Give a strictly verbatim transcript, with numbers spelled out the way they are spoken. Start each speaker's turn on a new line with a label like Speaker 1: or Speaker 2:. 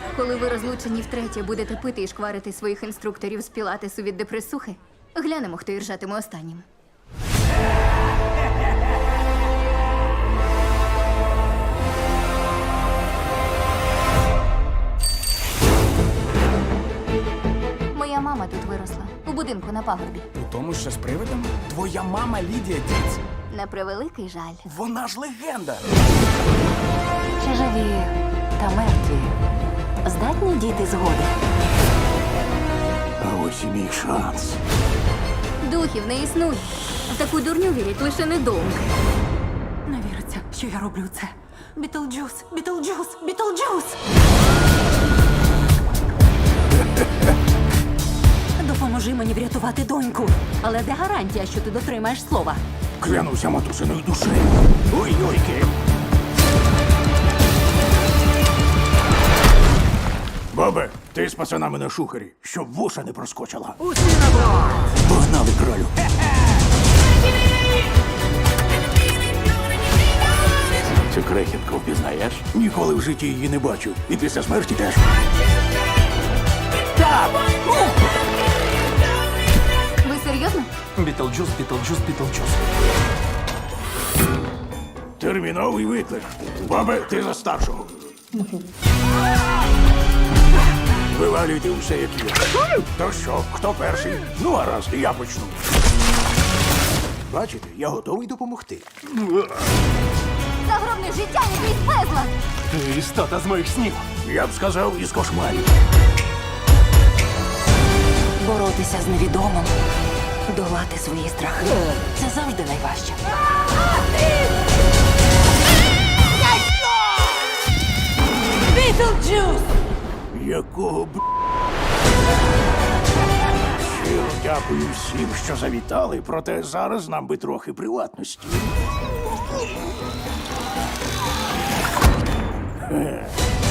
Speaker 1: Коли ви розлучені втретє будете пити і шкварити своїх інструкторів з пілатесу від депресухи, глянемо, хто іржатиме останнім. Моя мама тут виросла, у будинку на пагорбі.
Speaker 2: У тому, що з привидом? Твоя мама Лідія Діц.
Speaker 1: На превеликий жаль.
Speaker 2: Вона ж легенда.
Speaker 3: Чи живі та мертві здатні діти згоди?
Speaker 4: А ось і мій шанс.
Speaker 1: Духів не існує. В таку дурню вірять лише недовго.
Speaker 3: Не віриться, що я роблю це. Бітлджус, Бітлджус, Бітлджус! Допоможи мені врятувати доньку. Але де гарантія, що ти дотримаєш слова?
Speaker 4: Клянуся матусиною душею. Ой-ойки. Бабе, ти з пацанами на шухері, щоб вуша не проскочила.
Speaker 2: Усі на борт!
Speaker 4: Погнали, кролю. Цю крехітку впізнаєш? Ніколи в житті її не бачив. І після смерті теж. Так!
Speaker 1: Ви серйозно?
Speaker 2: Бітлджус, Бітлджус, Бітлджус.
Speaker 4: Терміновий виклик. Бабе, ти за старшого. Вивалюйте усе, як є. То що, хто перший? Ну, а раз, я почну. Бачите, я готовий допомогти.
Speaker 1: Загробне життя якийсь безлад!
Speaker 2: Ти істота з моїх снів.
Speaker 4: Я б сказав, із кошмарів.
Speaker 3: Боротися з невідомим, долати свої страхи. Це завжди найважче. Бітлджус!
Speaker 4: Якого б... Щиро дякую всім, що завітали, проте зараз нам би трохи приватності. Е.